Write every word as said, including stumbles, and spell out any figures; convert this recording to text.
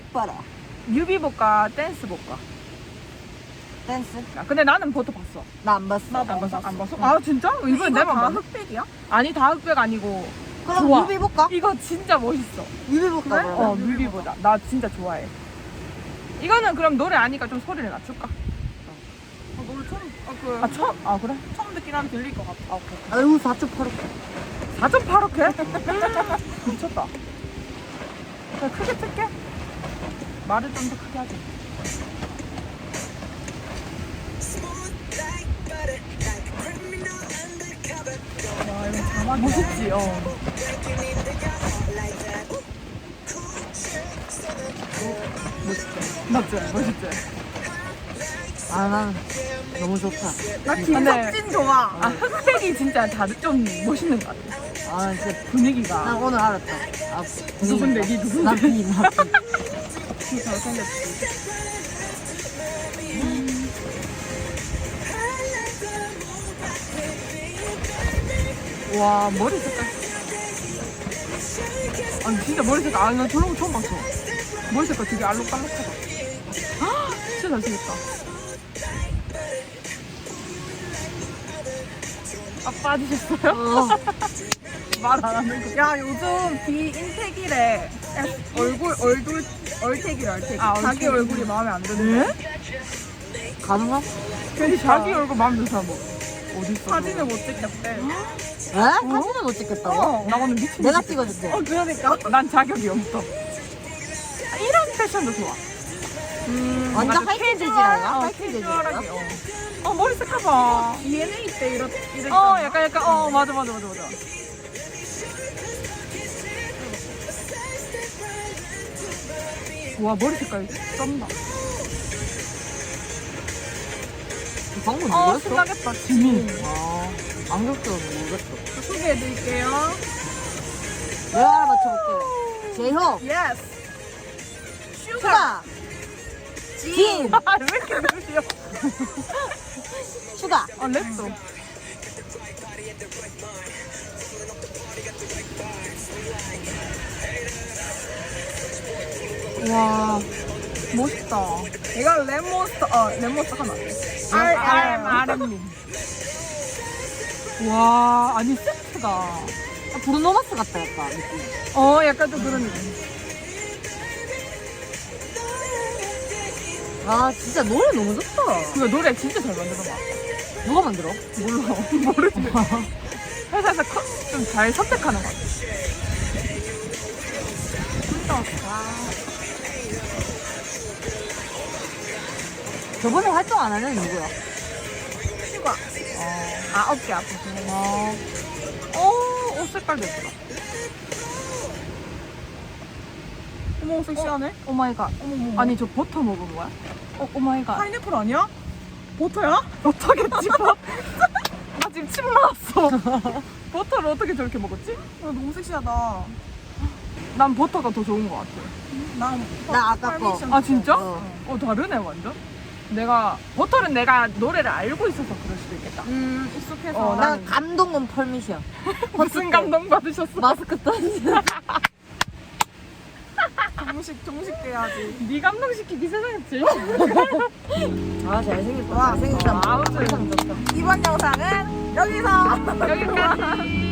봐라. 뮤비 볼까 댄스 볼까? 댄스? 아, 근데 나는 버터 봤어. 나 안 봤어. 안 봤어? 안 봤어? 아 진짜? 이번 내만 다 봤네. 흑백이야? 아니 다 흑백 아니고. 그럼 좋아. 뮤비 볼까? 이거 진짜 멋있어. 뮤비 볼까? 그래? 그러면? 어 뮤비 보자. 나 진짜 좋아해. 이거는 그럼 노래 아니까 좀 소리를 낮출까? 어, 노래 처음, 아, 그, 아 처음? 아 그래? 처음 듣긴 하면 들릴 것 같아. 아 오케이. 아유 사 점 팔 억. 사 점 팔 억 해? 미쳤다. 그냥 크게 틀게. 말을 좀 더 크게 하자. 와, 이거 자막이. 멋있지? 어. 멋있지? 맞지? 멋있지? 아, 난 너무 좋다. 나 근데- 김석진 좋아. 아 흑백이 진짜 다들 좀 멋있는 것 같아. 아, 진짜. 분위기가. 난 오늘 알았다. 아, 누군데? 니 누군데? 나 비, 나 비. 그 잘생겼지. 와 머리 색깔. 아니 진짜 머리 색깔. 아나 저런 거 처음 봤어. 머리 색깔 되게 알록달록하다. 아 진짜 잘생겼다. 아 빠지셨어요? 어. 말 안 하는 거. 야, 요즘 비인택이래. 얼굴, 얼굴, 얼택이래, 얼택. 아, 자기 얼택. 얼굴이 마음에 안 드는데. 가능하? 괜히 자기 얼굴 마음에 드는 사람 뭐 어디 있어? 사진을 못 찍겠대. 에? 사진을 못 찍겠다고? 어. 나 오늘 미친. 내가 듯이 찍어줄게. 어, 그러니까. 난 자격이 없어. 아, 이런 패션도 좋아. 음, 완전 맞아, 하이틴 재질이야? 어, 하이틴 재질이야? 캐주얼하게. 어. 어 머리 색깔 봐. 디엔에이 때 이렇, 이랬잖아. 어 약간 약간 어 맞아 맞아 맞아 맞아. 와 머리 색깔 쩐다. 이 방금 어 누구였어? 신나겠다. 지민. 아, 안경 써서 모르겠어. 소개해드릴게요. 내가 맞춰볼게. 제효, 예스. 슈가. 슈가, 진, 아왜 이렇게 느려? 슈가. 아 랩도. 와 멋있다. 이거 랩몬스터, 어, 랩몬스터 하나. R R R M. 와 아니 세트가. 아, 브루노마스 같다, 약간, 느낌. 어 약간 좀 그런 느낌. 아, 진짜 노래 너무 좋다. 그 노래 진짜 잘 만들어봐. 누가 만들어? 몰라 모르지. 회사에서 좀 잘 선택하는 것 같아. 저번에 활동 안 하는 누구야? 슈가. 아 어깨 아프지. 어. 어, 옷 색깔도 예쁘다. 어머, 섹시하네. 오 마이 갓. 어머머. 아니 저 버터 먹은 거야? 어, 오 마이 갓. 파인애플 아니야? 버터야? 버터겠지. 버- 나 지금 침 나왔어. 버터를 어떻게 저렇게 먹었지? 어, 너무 섹시하다. 난 버터가 더 좋은 것 같아. 난, 나 아까 거. 파미션 아 진짜? 어. 어 다르네 완전. 내가 버터는 내가 노래를 알고 있어서 그럴 수도 있겠다. 음, 익숙해서. 어, 난 나는- 감동은 펄미션. 무슨 감동 받으셨어? 마스크 던지. 정식, 정식 돼야지. 네 감동 시키기 세상했지. 아, 잘생겼다. 와. 잘생겼다. 아, 아무튼 상 좋다. 이번 영상은 여기서. 여기까지.